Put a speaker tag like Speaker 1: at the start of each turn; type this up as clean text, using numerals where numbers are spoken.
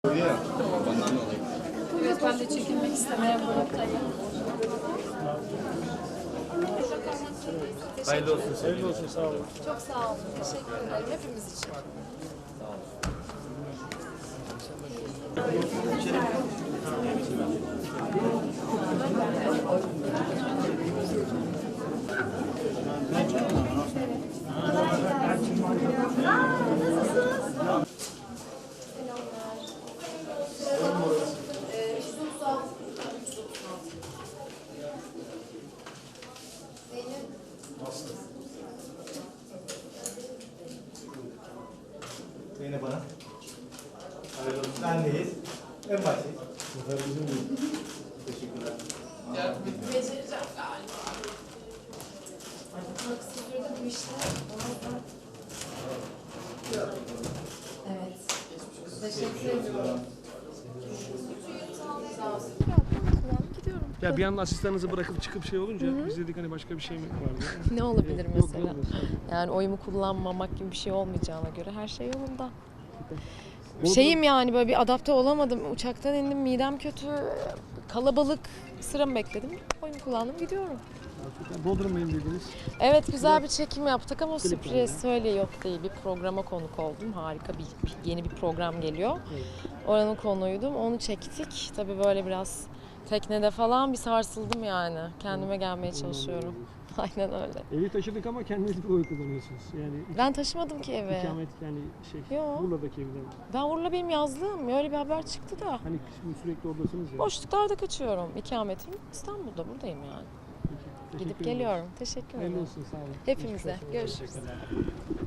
Speaker 1: Evet, ben de çekilmek istemeyen gruptayım.
Speaker 2: Hayırlı olsun. Hayırlı olsun. Sağ olun.
Speaker 1: Çok sağ olun. Teşekkür ederim hepimiz için.
Speaker 3: Zeynep Hanım. Hayırlı olsun. Bendeyiz. En baştayız. Bu da bizim değil. Teşekkürler.
Speaker 1: Becereceğim galiba. Bak sürdürdüm bu işte. Evet. Teşekkür ederim. Sağ olsun.
Speaker 4: Gidiyorum.
Speaker 2: Ya bir anda asistanınızı bırakıp çıkıp şey olunca biz dedik hani başka bir şey mi vardı?
Speaker 4: Ne olabilir
Speaker 2: Yok,
Speaker 4: mesela?
Speaker 2: yok.
Speaker 4: Yani oyumu kullanmamak gibi bir şey olmayacağına göre her şey yolunda.
Speaker 2: Bodrum-
Speaker 4: Şeyim yani böyle bir adapte olamadım. Uçaktan indim, midem kötü, kalabalık, sıramı bekledim. Oyumu kullandım, gidiyorum.
Speaker 2: Bodrum'dayım dediniz.
Speaker 4: Evet, güzel bir çekim yaptık ama
Speaker 2: Klip
Speaker 4: sürpriz öyle yok değil. Bir programa konuk oldum. Harika yeni bir program geliyor.
Speaker 2: Evet.
Speaker 4: Oranın konuğuydum. Onu çektik. Tabii böyle biraz teknede falan bir sarsıldım yani. Kendime gelmeye çalışıyorum. Aynen öyle.
Speaker 2: Evi taşıdık ama kendiniz bir oy kullanıyorsunuz. Yani
Speaker 4: Ben taşımadım ki eve.
Speaker 2: ikamet yani
Speaker 4: Yok.
Speaker 2: Urla'daki evden.
Speaker 4: Ben Urla benim yazlığım. Öyle bir haber çıktı da.
Speaker 2: Hani şimdi sürekli oradasınız ya.
Speaker 4: Boşluklarda kaçıyorum. İkametim İstanbul'da, buradayım yani.
Speaker 2: Peki, teşekkür
Speaker 4: Gidip
Speaker 2: ederim.
Speaker 4: geliyorum. Teşekkür
Speaker 2: Hayırlı
Speaker 4: ederim.
Speaker 2: olsun, sağ olun.
Speaker 4: Hepimize.
Speaker 2: Geçmiş olsun.
Speaker 4: Görüşürüz.